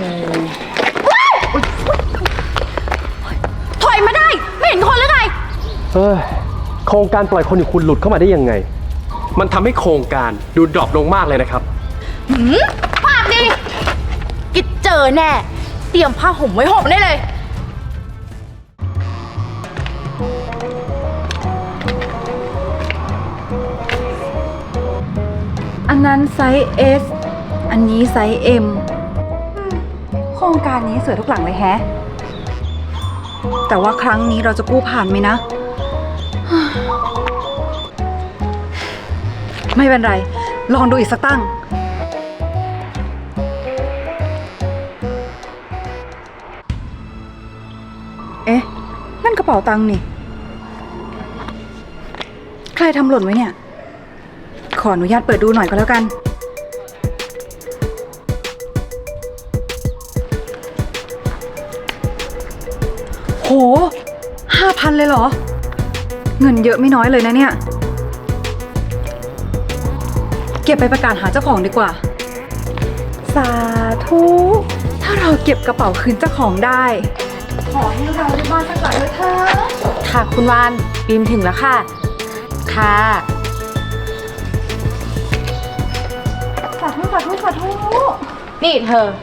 ถอยมาได้ไม่เห็นคนหรือไงโครงการปล่อยคนอย่างคุณหลุดเข้ามาได้ยังไงมันทำให้โครงการดูดรอปลงมากเลยนะครับปากดีกิดเจอแน่เตรียมผ้าห่มไว้ห่มได้เลยอันนั้นไซส์ S อันนี้ไซส์ M โครงการนี้สวยทุกหลังเลยแฮะแต่ว่าครั้งนี้เราจะกู้ผ่านไหมนะ ไม่เป็นไรลองดูอีกสักตั้งเอ๊ะนั่นกระเป๋าตังค์นี่ใครทำหล่นไว้เนี่ยขออนุญาตเปิดดูหน่อยก็แล้วกันโห5,000เลยเหรอเงินเยอะไม่น้อยเลยนะเนี่ยเก็บไปประกาศหาเจ้าของดีกว่าสาธุถ้าเราเก็บกระเป๋าคืนเจ้าของได้ขอให้เราได้บ้านสักหลังด้วยเถอะค่ะคุณวานบีมถึงแล้วค่ะค่ะสาธุสาธุสาธุนี่เธอ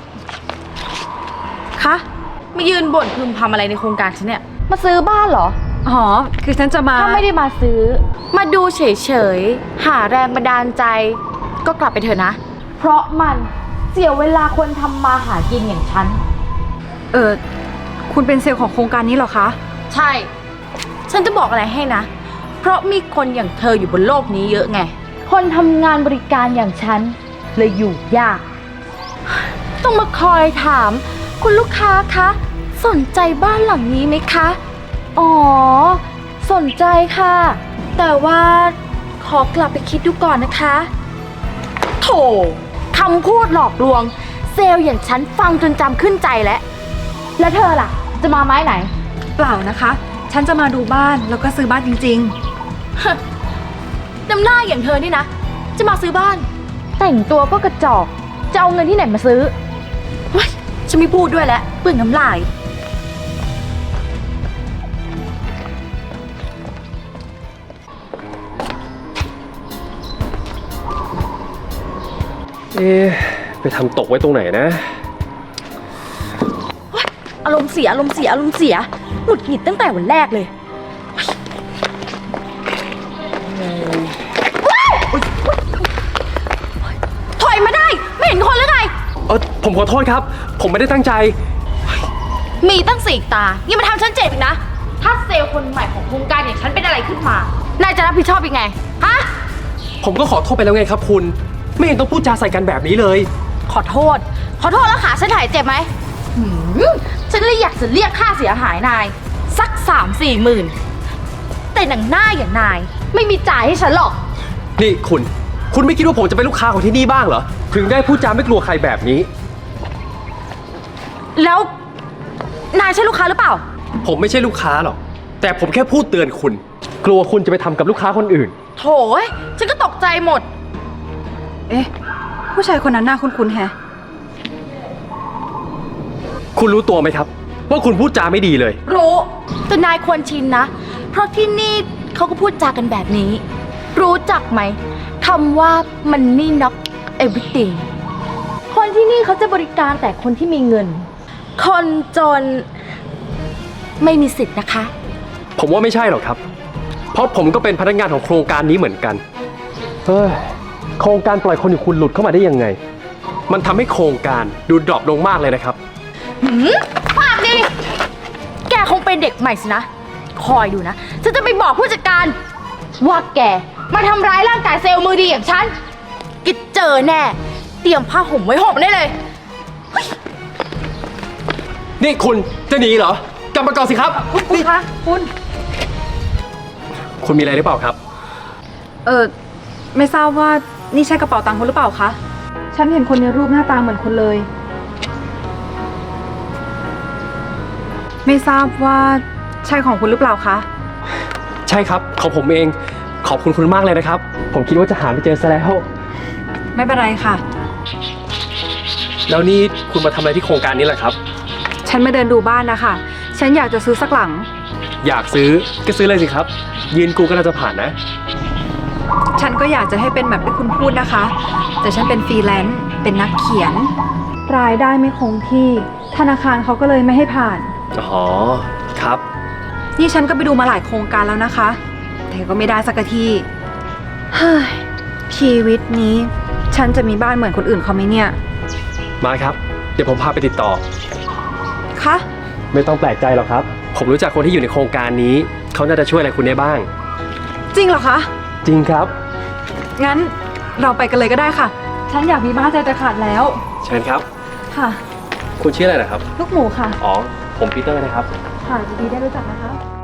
คะมายืนบ่นพึมพำอะไรในโครงการฉันเนี่ยมาซื้อบ้านเหรออ๋อคือฉันจะมาถ้าไม่ได้มาซื้อมาดูเฉยๆหาแรงบันดาลใจก็กลับไปเถอะนะเพราะมันเสียเวลาคนทำมาหากินอย่างฉันคุณเป็นเซลล์ของโครงการนี้เหรอคะใช่ฉันจะบอกอะไรให้นะเพราะมีคนอย่างเธออยู่บนโลกนี้เยอะไงคนทำงานบริการอย่างฉันเลยอยู่ยากต้องมาคอยถามคุณลูกค้าคะสนใจบ้านหลังนี้ไหมคะอ๋อสนใจค่ะแต่ว่าขอกลับไปคิดดูก่อนนะคะโถคำพูดหลอกลวงเซลล์อย่างฉันฟังจนจำขึ้นใจแล้วเธอล่ะจะมาไม้ไหนเปล่านะคะฉันจะมาดูบ้านแล้วก็ซื้อบ้านจริงๆน้ำหน้าอย่างเธอนี่นะจะมาซื้อบ้านแต่งตัวก็กระจอกจะเอาเงินที่ไหนมาซื้อฉันไม่พูดด้วยแล้วเปลืองน้ำลายไปทำตกไว้ตรงไหนนะอารมณ์เสียหงุดหงิดตั้งแต่วันแรกเลยถอยมาได้ไม่เห็นคนหรือไงผมขอโทษครับผมไม่ได้ตั้งใจมีตั้ง4 ตายังมาทำฉันเจ็บอีกนะถ้าเซลล์คนใหม่ของโครงการอย่างฉันเป็นอะไรขึ้นมานายจะรับผิดชอบยังไงฮะผมก็ขอโทษไปแล้วไงครับคุณไม่เห็นต้องพูดจาใส่กันแบบนี้เลยขอโทษแล้วขาฉันหายเจ็บไหมฉันเลยอยากจะเรียกค่าเสียหายนายสัก3-4 หมื่นแต่หนังหน้าอย่างนายไม่มีจ่ายให้ฉันหรอกนี่คุณไม่คิดว่าผมจะเป็นลูกค้าของที่นี่บ้างเหรอถึงได้พูดจาไม่กลัวใครแบบนี้แล้วนายใช่ลูกค้าหรือเปล่าผมไม่ใช่ลูกค้าหรอกแต่ผมแค่พูดเตือนคุณกลัวคุณจะไปทำกับลูกค้าคนอื่นโถ่ฉันก็ตกใจหมดเอ๊ะผู้ชายคนนั้นหน้าคุ้นๆแฮะคุณรู้ตัวไหมครับว่าคุณพูดจาไม่ดีเลยรู้แต่นายควรชินนะเพราะที่นี่เขาก็พูดจากันแบบนี้รู้จักไหมคำว่า money not everything คนที่นี่เขาจะบริการแต่คนที่มีเงินคนจนไม่มีสิทธิ์นะคะผมว่าไม่ใช่หรอกครับเพราะผมก็เป็นพนักงานของโครงการนี้เหมือนกันโครงการปล่อยคนอย่างคุณหลุดเข้ามาได้ยังไงมันทำให้โครงการดูดรอปลงมากเลยนะครับปากดีแกคงเป็นเด็กใหม่สินะคอยดูนะฉันจะไปบอกผู้จัดการว่าแกมาทำร้ายร่างกายเซลล์มือดีอย่างฉันกิดเจอแน่เตรียมผ้าห่มไว้ห่มได้เลยนี่คุณจะหนีเหรอกลับมาก่อนสิครับคุณคะคุณมีอะไรหรือเปล่าครับไม่ทราบว่านี่ใช่กระเป๋าตังค์คุณหรือเปล่าคะฉันเห็นคนในรูปหน้าตาเหมือนคุณเลยไม่ทราบว่าใช่ของคุณหรือเปล่าคะใช่ครับของผมเองขอบคุณมากเลยนะครับผมคิดว่าจะหาไม่เจอซะแล้วไม่เป็นไรค่ะแล้วนี่คุณมาทำอะไรที่โครงการนี้แหละครับฉันมาเดินดูบ้านนะคะ ฉันอยากจะซื้อสักหลังอยากซื้อก็ซื้อเลยสิครับ ยืนกูก็น่าจะผ่านนะฉันก็อยากจะให้เป็นแบบที่คุณพูดนะคะ แต่ฉันเป็นฟรีแลนซ์ เป็นนักเขียน รายได้ไม่คงที่ ธนาคารเขาก็เลยไม่ให้ผ่านอ๋อ ครับนี่ฉันก็ไปดูมาหลายโครงการแล้วนะคะ แต่ก็ไม่ได้สักทีเฮ้ย ชีวิตนี้ ฉันจะมีบ้านเหมือนคนอื่นเขาไหมเนี่ยมาครับ เดี๋ยวผมพาไปติดต่อคะไม่ต้องแปลกใจหรอกครับ ผมรู้จักคนที่อยู่ในโครงการนี้ เขาน่าจะช่วยอะไรคุณได้บ้างจริงเหรอคะจริงครับงั้นเราไปกันเลยก็ได้ค่ะ ฉันอยากมีบ้านใจจะขาดแล้วเชิญครับค่ะคุณชื่ออะไรนะครับลูกหมูค่ะอ๋อ ผมปีเตอร์นะครับค่ะยินดีได้รู้จักนะคะ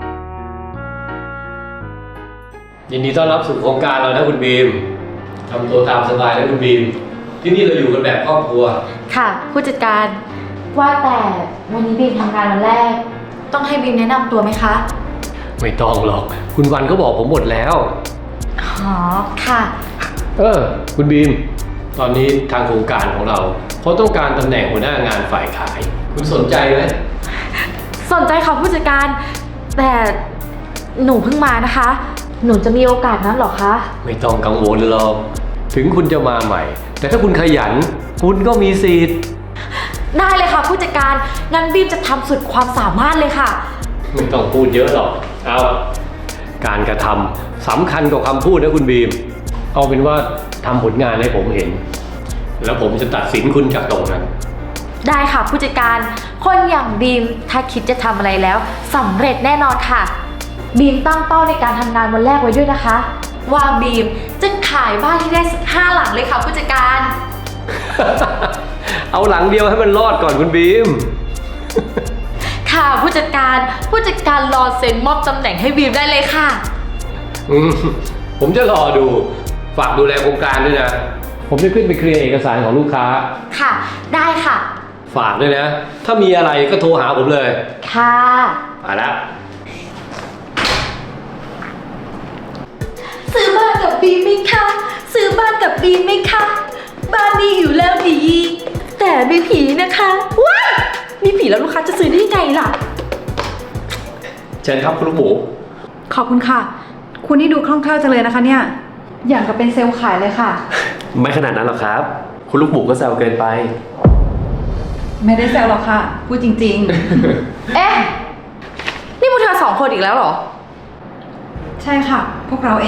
ยินดีต้อนรับสู่โครงการเรานะคุณบีมทำตัวตามสบายนะคุณบีม ที่นี่เราอยู่กันแบบครอบครัวค่ะ ผู้จัดการ ว่าแต่วันนี้บีมทำงานวันแรก ต้องให้บีมแนะนำตัวไหมคะไม่ต้องหรอก คุณวันก็บอกผมหมดแล้วอ๋อ ค่ะคุณบีม ตอนนี้ทางโครงการของเราเขาต้องการตำแหน่งหัวหน้างานฝ่ายขาย คุณสนใจไหมสนใจค่ะผู้จัดการ แต่หนูเพิ่งมานะคะ หนูจะมีโอกาสนั้นเหรอคะไม่ต้องกังวลหรอก ถึงคุณจะมาใหม่ แต่ถ้าคุณขยัน คุณก็มีสิทธิ์ได้เลยค่ะผู้จัดการ งั้นบีมจะทำสุดความสามารถเลยค่ะไม่ต้องพูดเยอะหรอก เอาการกระทำสำคัญกว่าคำพูดนะคุณบีม เอาเป็นว่าทำผลงานให้ผมเห็น แล้วผมจะตัดสินคุณจากตรงนั้นได้ค่ะผู้จัดการ คนอย่างบีมถ้าคิดจะทำอะไรแล้วสำเร็จแน่นอนค่ะ บีมตั้งเป้าในการทำงานวันแรกไว้ด้วยนะคะ ว่าบีมจะขายบ้านที่ได้สัก5 หลังเลยค่ะผู้จัดการเอาหลังเดียวให้มันรอดก่อนคุณบีมค่ะผู้จัดการรอเซ็นมอบตำแหน่งให้บีมได้เลยค่ะผมจะรอดู ฝากดูแลโครงการด้วยนะ ผมจะขึ้นไปเคลียร์เอกสารของลูกค้าค่ะ ได้ค่ะฝากด้วยนะ ถ้ามีอะไรก็โทรหาผมเลยค่ะไปละซื้อบ้านกับบีมไหมคะซื้อบ้านกับบีมไหมคะบ้านนี้อยู่แล้วดี แต่มีผีนะคะว้ายมีผีแล้วลูกค้าจะซื้อได้ไงล่ะเชิญครับคุณลูกหมูขอบคุณค่ะ คุณนี่ดูคล่องแคล่วจังเลยนะคะเนี่ย อย่างกับเป็นเซลล์ขายเลยค่ะไม่ขนาดนั้นหรอกครับ คุณลูกหมูก็แซวเกินไปไม่ได้แซวหรอกค่ะ พูดจริงเอ๊ะ นี่พวกเธอ2 คนอีกแล้วเหรอๆ ใช่ค่ะ พวกเราเอง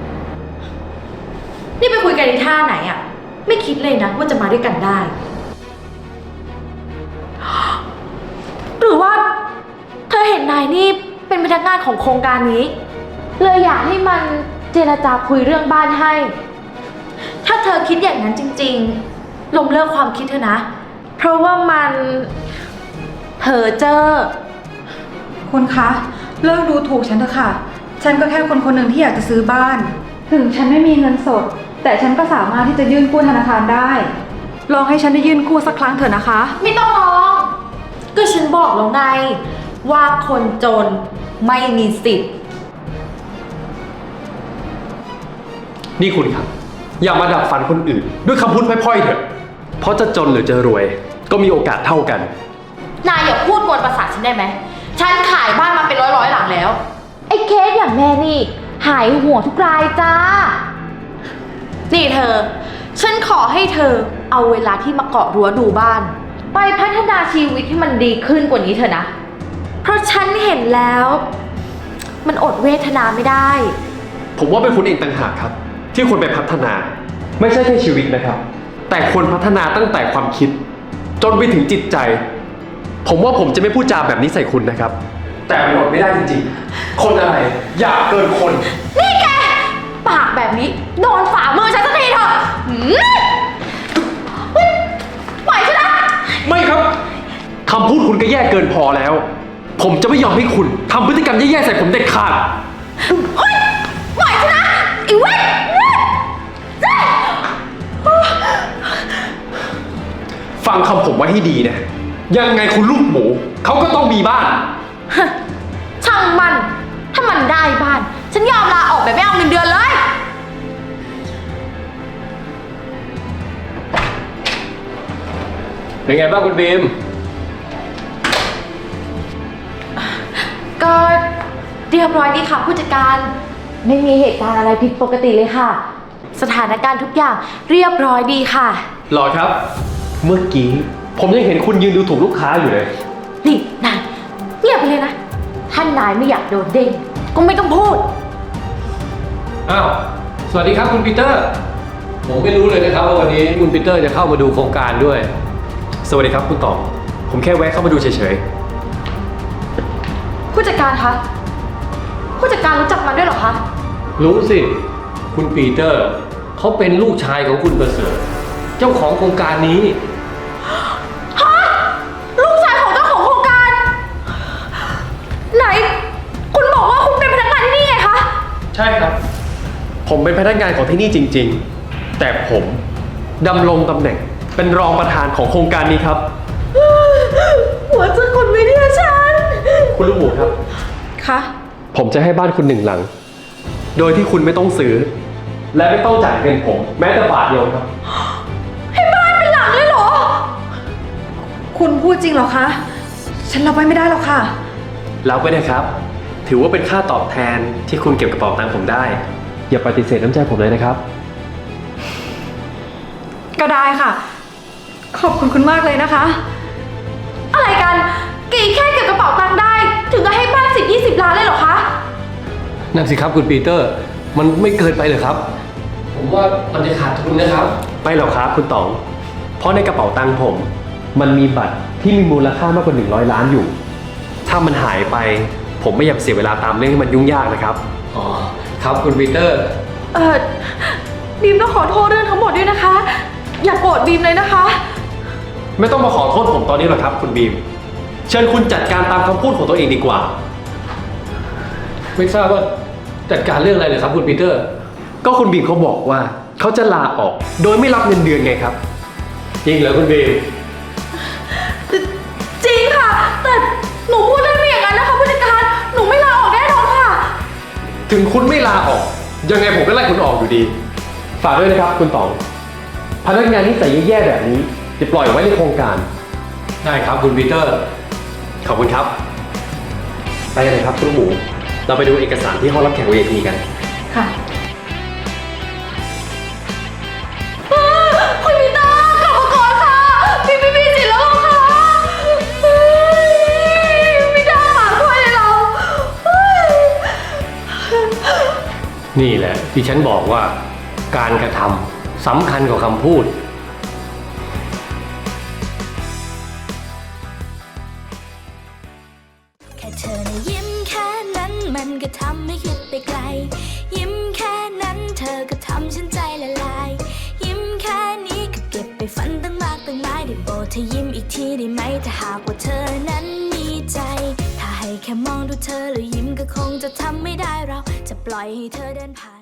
นี่ไปคุยกันในท่าไหนอะไม่คิดเลยนะว่าจะมาด้วยกันได้ หรือว่า เธอเห็นนายนี่เป็นพนักงานของโครงการนี้ เลยอยากให้มันเจรจาคุยเรื่องบ้านให้ ถ้าเธอคิดอย่างนั้นจริงๆล้มเลิกความคิดเธอนะ เพราะว่ามันเพ้อเจ้อคุณคะ เลิกดูถูกฉันเถอะค่ะ ฉันก็แค่คนคนหนึ่งที่อยากจะซื้อบ้าน ถึงฉันไม่มีเงินสด แต่ฉันก็สามารถที่จะยื่นกู้ธนาคารได้ ลองให้ฉันได้ยื่นกู้สักครั้งเถอะนะคะไม่ต้องร้อง ก็ฉันบอกแล้วไง ว่าคนจนไม่มีสิทธิ์นี่คุณครับ อย่ามาดับฝันคนอื่น ด้วยคำพูดพร่อยๆเถอะ เพราะจะจนหรือจะรวย ก็มีโอกาสเท่ากันนายอย่าพูดกวนประสาทฉันได้ไหม ฉันขายบ้านมาเป็นร้อยหลังแล้ว ไอ้เคสอย่างแม่นี่ หายหัวทุกรายจ้า นี่เธอ ฉันขอให้เธอเอาเวลาที่มาเกาะรั้วดูบ้าน ไปพัฒนาชีวิตให้มันดีขึ้นกว่านี้เถอะนะ เพราะฉันเห็นแล้ว มันอดเวทนาไม่ได้ผมว่าเป็นคุณเองต่างหากครับ ที่ควรไปพัฒนา ไม่ใช่แค่ชีวิตนะครับ แต่ควรพัฒนาตั้งแต่ความคิด จนไปถึงจิตใจ ผมว่าผมจะไม่พูดจาแบบนี้ใส่คุณนะครับ แต่มันอดไม่ได้จริงๆ คนอะไรอยากเกินคนนี่แก ปากแบบนี้โดนฝ่ามือฉันสักทีเถอะปล่อยฉันนะไม่ครับคำพูดคุณก็แย่เกินพอแล้ว ผมจะไม่ยอมให้คุณทำพฤติกรรมแย่ๆใส่ผมเด็ดขาดเฮ้ยปล่อยฉันนะไอ้เว้ยฟังคำผมไว้ให้ดีนะ ยังไงคุณลูกหมู เขาก็ต้องมีบ้านช่างมัน ถ้ามันได้บ้าน ฉันยอมลาออกแบบไม่เอาเงินเดือนเลยนเป็นไงบ้างคุณบีมก็เรียบร้อยดีค่ะผู้จัดการ ไม่มีเหตุการณ์อะไรผิดปกติเลยค่ะ สถานการณ์ทุกอย่างเรียบร้อยดีค่ะหรอครับ เมื่อกี้ผมยังเห็นคุณยืนดูถูกลูกค้าอยู่เลยนี่นายเงียบไปเลยนะ ท่านนายไม่อยากโดนเด้งก็ไม่ต้องพูดอ้าว สวัสดีครับคุณปีเตอร์ ผมไม่รู้เลยนะครับว่าวันนี้คุณปีเตอร์จะเข้ามาดูโครงการด้วยสวัสดีครับคุณต๋องผมแค่แวะเข้ามาดูเฉยผู้จัดการคะผู้จัดการรู้จักมันด้วยเหรอคะรู้สิ คุณปีเตอร์เขาเป็นลูกชายของคุณประเสริฐเจ้าของโครงการนี้ลูกชายของเจ้าของโครงการ ไหน คุณบอกว่าคุณเป็นพนักงานที่นี่ไงคะๆ ใช่ครับ ผมเป็นพนักงานของที่นี่จริง ๆ แต่ผมดำรงตำแหน่งเป็นรองประธานของโครงการนี้ครับหัวใจคนไม่เนี่ยฉันคุณลูกหมูครับคะผมจะให้บ้านคุณ1 หลัง โดยที่คุณไม่ต้องซื้อ และไม่ต้องจ่ายเงินผม แม้แต่บาทเดียวครับให้บ้านเป็นหลังเลยเหรอคุณพูดจริงเหรอคะ ฉันรับไว้ไม่ได้หรอกค่ะรับไว้นะครับ ถือว่าเป็นค่าตอบแทนที่คุณเก็บกระเป๋าตังค์ผมได้ อย่าปฏิเสธน้ำใจผมเลยนะครับก็ได้ค่ะ ขอบคุณคุณมากเลยนะคะอะไรกันกีแค่เก็บกระเป๋าตังค์ได้ ถึงจะให้บ้าน10-20 ล้านเลยเหรอคะนั่นสิครับคุณปีเตอร์ มันไม่เกินไปเลยครับ ผมว่ามันจะขาดทุนนะครับไม่หรอกครับคุณต๋อง เพราะในกระเป๋าตังค์ผม มันมีบัตรที่มีมูลค่ามากกว่า100 ล้านอยู่ ถ้ามันหายไป ผมไม่อยากเสียเวลาตามเรื่องให้มันยุ่งยากนะครับอ๋อ ครับคุณปีเตอร์บีมต้องขอโทษเรื่องทั้งหมดด้วยนะคะ อย่าโกรธบีมเลยนะคะไม่ต้องมาขอโทษผมตอนนี้หรอกครับ คุณบีม เชิญคุณจัดการตามคำพูดของตัวเองดีกว่าไม่ทราบว่าจัดการเรื่องอะไรเลยครับคุณปีเตอร์ก็คุณบีมเขาบอกว่าเขาจะลาออก โดยไม่รับเงินเดือนไงครับจริงเหรอคุณบีมจริงค่ะ แต่หนูพูดได้ไม่อย่างนั้นนะคะผู้จัดการ หนูไม่ลาออกแน่นอนค่ะถึงคุณไม่ลาออก ยังไงผมก็ไล่คุณออกอยู่ดี ฝากด้วยนะครับ คุณต๋อง พนักงานนิสัยแย่ๆแบบนี้จะปล่อยไว้ในโครงการได้ครับคุณปีเตอร์ขอบคุณครับ ไปกันเลยครับคุณหมู เราไปดูเอกสารที่ห้องรับแขก VIP กันค่ะคุณพีเตอร์กลับมาก่อนค่ะพี่สิแล้วค่ะไม่ได้หมาด้วยเลยเรานี่แหละที่ฉันบอกว่าการกระทำสำคัญกว่าคำพูดแค่เธอนะยิ้มแค่นั้นมันก็ทำให้คิดไปไกล ยิ้มแค่นั้นเธอก็ทำฉันใจละลาย ยิ้มแค่นี้ก็เก็บไปฝันตั้งมากตั้งหลายได้โปรดเธอยิ้มอีกทีได้ไหมถ้าหากว่าเธอนั้นมีใจ ถ้าให้แค่มองดูเธอแล้วยิ้มก็คงจะทำไม่ได้เราจะปล่อยให้เธอเดินผ่าน